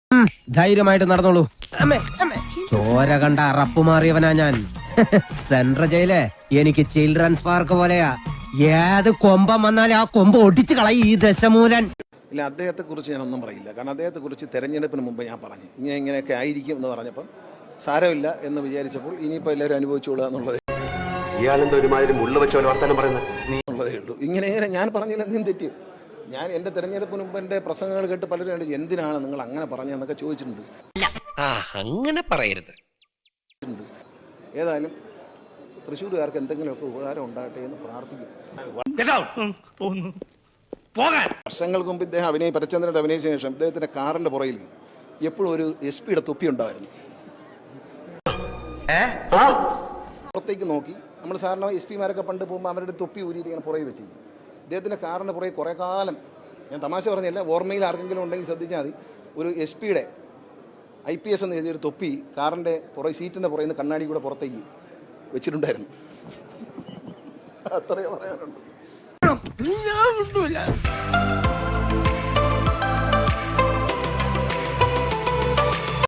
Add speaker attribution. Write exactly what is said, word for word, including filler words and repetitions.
Speaker 1: ധൈര്യമായിട്ട് നടന്നോളൂ. ചോര കണ്ട അറപ്പ് മാറിയവനാ ഞാൻ. സെൻട്രൽ ജയില് എനിക്ക് ചിൽഡ്രൻസ് പാർക്ക് പോലെയാ. ഏത് കൊമ്പം വന്നാലും ആ കൊമ്പ് ഒടിച്ചു കളയും ഈ ദശമൂലൻ.
Speaker 2: ഇല്ല, അദ്ദേഹത്തെ കുറിച്ച് ഞാനൊന്നും പറയില്ല. കാരണം അദ്ദേഹത്തെ കുറിച്ച് തെരഞ്ഞെടുപ്പിന് മുമ്പ് ഞാൻ പറഞ്ഞു ഇങ്ങനെ ഇങ്ങനെയൊക്കെ ആയിരിക്കും എന്ന് പറഞ്ഞപ്പം സാരമില്ല എന്ന് വിചാരിച്ചപ്പോൾ ഇനിയിപ്പോൾ എല്ലാവരും അനുഭവിച്ചോളുക എന്നുള്ളത് ഉള്ളതേ ഉള്ളൂ. ഇങ്ങനെ ഇങ്ങനെ ഞാൻ പറഞ്ഞില്ല, എന്തും തെറ്റി. ഞാൻ എൻ്റെ തെരഞ്ഞെടുപ്പിന് മുമ്പ് എൻ്റെ പ്രസംഗങ്ങൾ കേട്ട് പലരും കണ്ട് എന്തിനാണ് നിങ്ങൾ അങ്ങനെ പറഞ്ഞതെന്നൊക്കെ ചോദിച്ചിട്ടുണ്ട്.
Speaker 3: അങ്ങനെ പറയരുത്.
Speaker 2: ഏതായാലും തൃശ്ശൂരുകാർക്ക് എന്തെങ്കിലുമൊക്കെ ഉപകാരം ഉണ്ടാകട്ടെ എന്ന് പ്രാർത്ഥിക്കും. വർഷങ്ങൾക്ക് മുമ്പ് ഇദ്ദേഹം അഭിനയ പരചന്ദ്രൻ്റെ അഭിനയിച്ച ശേഷം ഇദ്ദേഹത്തിൻ്റെ കാറിൻ്റെ പുറയിൽ എപ്പോഴും ഒരു എസ് പിയുടെ തൊപ്പി ഉണ്ടായിരുന്നു. പുറത്തേക്ക് നോക്കി നമ്മൾ സാധാരണ എസ് പിമാരൊക്കെ പണ്ട് പോകുമ്പോൾ അവരുടെ തൊപ്പി ഊരിയിട്ട് ഇങ്ങനെ പുറകെ വെച്ച് ഇദ്ദേഹത്തിൻ്റെ കാറിൻ്റെ പുറകെ കുറേ കാലം, ഞാൻ തമാശ പറഞ്ഞില്ല, ഓർമ്മയിൽ ആർക്കെങ്കിലും ഉണ്ടെങ്കിൽ ശ്രദ്ധിച്ചാൽ മതി, ഒരു എസ് പിയുടെ ഐ പി എസ് എന്ന് എഴുതിയൊരു തൊപ്പി കാറിൻ്റെ പുറകെ സീറ്റിൻ്റെ പുറകിൽ നിന്ന് കണ്ണാടി കൂടെ പുറത്തേക്ക് വെച്ചിട്ടുണ്ടായിരുന്നു. അത്രയേ പറയാനുള്ളൂ.